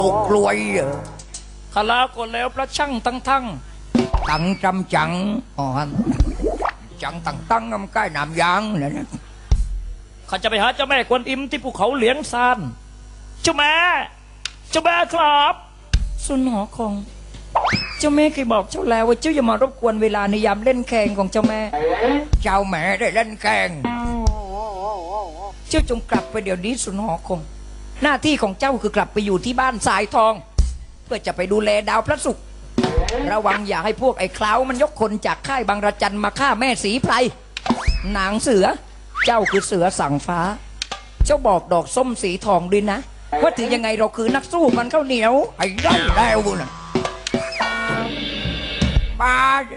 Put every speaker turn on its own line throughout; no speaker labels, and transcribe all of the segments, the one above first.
ตกรวย
ขลาก็แล้วพระช่างตั้ง
ตังจำจังอ๋อจังตั้งมันใกล้น้ำยางเลยนะ
ข้าจะไปหาเจ้าแม่กวนอิมที่ภูเขาเหลียงซานเจ้าแม่ครับสุนหอคงเจ้าแม่เคยบอกเจ้าแล้วว่าเจ้าอย่ามารบกวนเวลาในยามเล่นแข่งของเจ้าแม่
เจ้าแม่ได้เล่นแข่ง
เจ้าจงกลับไปเดี๋ยวนี้สุนหอคงหน้าที่ของเจ้าคือกลับไปอยู่ที่บ้านสายทอง เพื่อจะไปดูแลดาวพระศุกร์ระวังอย่าให้พวกไอ้คล้าวมันยกคนจากค่ายบางระจันมาฆ่าแม่สีไพรนางเสือเจ้าคือเสือสั่งฟ้าเจ้าบอกดอกส้มสีทองด้วยนะว่าถึงยังไงเราคือนักสู้มันข้าวเหนียว
ไอ้ได้แล้วนะบ้า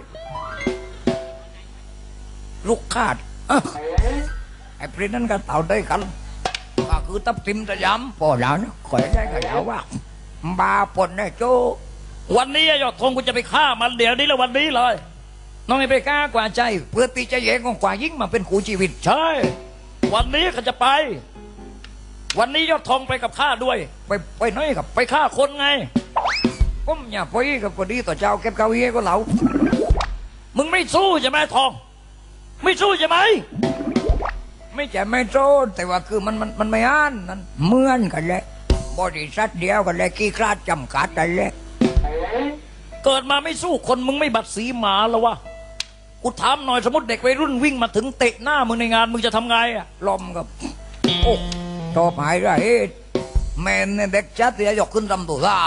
ลูกขาดไอ้พริ้นนั้นก็เต่าได้กันก็คือตับทิมตะย้ำพอแล้วนะขอได้ก็แล้วว่าบาปนเนี่ยโจ
วันนี้ยอดธงกูจะไปฆ่ามันเดี๋ยวนี้แล้ววันนี้เลยน้องไอ้ไปกล้ากว่าใจ
เพื่อที่จะแย่งของกว่ายิ่งมาเป็นคู่ชีวิต
ใช่วันนี้ข้าจะไปวันนี้ยอดธงไปกับข้าด้วย
ไปน้อยกับ
ไปฆ่าคนไง
ผมอย่าไปกับคนดีต่อเจ้าเก็บเก้าอี้ก็เหลา
มึงไม่สู้ใช่ไหมทองไม่สู้ใช่ไหม
ไม่ใช่ไม่โจนแต่ว่าคือมันไม่อ่านนั่นเหมือนกันแหละบริษัทเดียวกันแหละกี่คราดจำกัดกันแหละ
เกิดมาไม่สู้คนมึงไม่บัดสีหมาแล้ววะกูถามหน่อยสมมติเด็กวัยรุ่นวิ่งมาถึงเตะหน้ามึงในงานมึงจะทำไงอะ
ลมกับโอ้ชอบหายไรแม่เนี่ยเด็กชัดเสียยกขึ้นทำตัวซ่า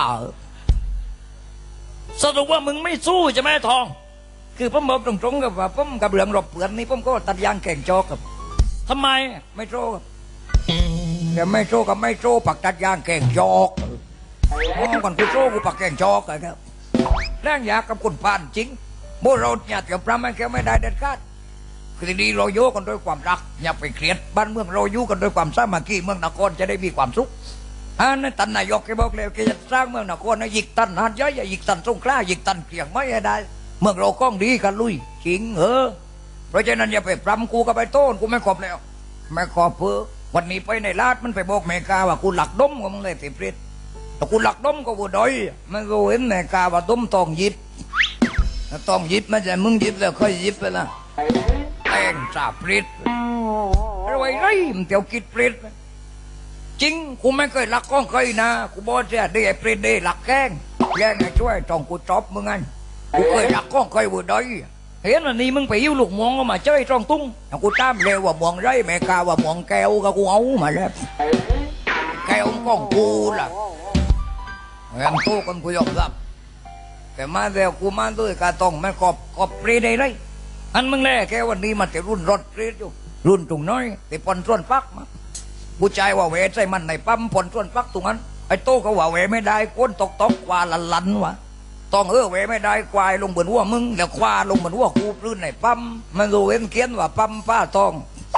สรุปว่ามึงไม่สู้ใช่ไหมทอง
คือผมบอกตรงๆกับว่าผมกับเรื่องรบเปื่อนนี่ผมก็ตัดยางแข่งจอกับ
ทำไม
ไม่โจกับแต่ไม่โจกับไม่โจปักตัดยางแข่งจอกก่อนกูโจกูปักแข่งจอกเลยครับแรงยากับคนผ่านจริงโบเราอย่าเกี่ยวพระมันแค่ไม่ได้เด็ดขาดคือทีนี้เราโยกันด้วยความรักอย่าไปเครียดบ้านเมืองเราอยู่กันด้วยความสามัคคีเมืองนครจะได้มีความสุขอันนั้นตันนายกแกบอกเลยแกจะสร้างเมืองนครนะหยิกตันหันย้อยหยิกตันสงขลาหยิกตันเกียงไม่ได้เมืองเราก้องดีกันลุยจริงเพราะฉะนั้นอย่าไปปรำกูกับไปโต้นกูไม่ขอบแล้วไม่ขอบเพื่อวันนี้ไปในลาดมันไปบอกเมกาว่ากูหลักดมกับมึงเลยติดเปรตแต่กูหลักดมก็บูดอยมันก็เห็นเมกาว่าดมตองยิบต้องยิบไม่ใช่มึงยิบแล้วค่อยยิบไปละแองจ่าเปรตอะไรไรมันเตียวกิดเปรตจริงกูไม่เคยหลักก้องเคยนะกูบอกจะได้เปรตได้หลักแกงแกงให้ช่วยต้องกูจอบมึงไงกูเคยหลักก้องเคยบูดอย
เห็นวันนี้มึงไปยิ้วลูกมองก็มาเจ้ยตรงตุ้ง
กูตามเร็วว่ามองไรแม่กาว่ามองแก้วก็กูเอามาแล้วแก้วของกูล่ะยังโตกันกูยอมรับแต่มาเร็วกูมาด้วยกาต้องไม่กอบเปรย์ได้ไรอันมึงแน่แค่วันนี้มันจะรุ่นรถเปรย์อยู่รุ่นตรงน้อยแต่ปนส่วนฟักมาผู้ชายว่าเวใส่มันในปั๊มปนส่วนฟักตรงนั้นไอ้โตก็ว่าเวไม่ได้ก้นตกกว่าลันวะต้องเวไม่ได้ควายลงบนหัวมึงแล้วควาลงบนหัวกูพื้นในปั๊มมันรู้เว้นเขียนว่าปั๊มป้าทอง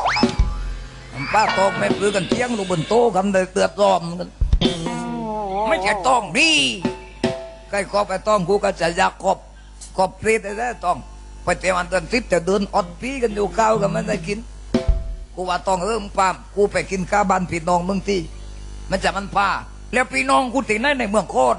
ไม่ปลื้กันเที่ยงลงบนโต๊ะกันเลยเตือบรอมกันไม่ใช่ต้องดีใกล้ขอบไปต้องกูก็จะอยากขอบพรีได้ต้องไปเตะวันเดินทิพย์แต่เดินอดพีกันอยู่ข้าวกันไม่ได้กินกูว่าต้องปั๊มกูไปกินข้าวบ้านพี่น้องมึงที่มันจะมันพาแล้วพี่น้องกูติดในเมืองโคตร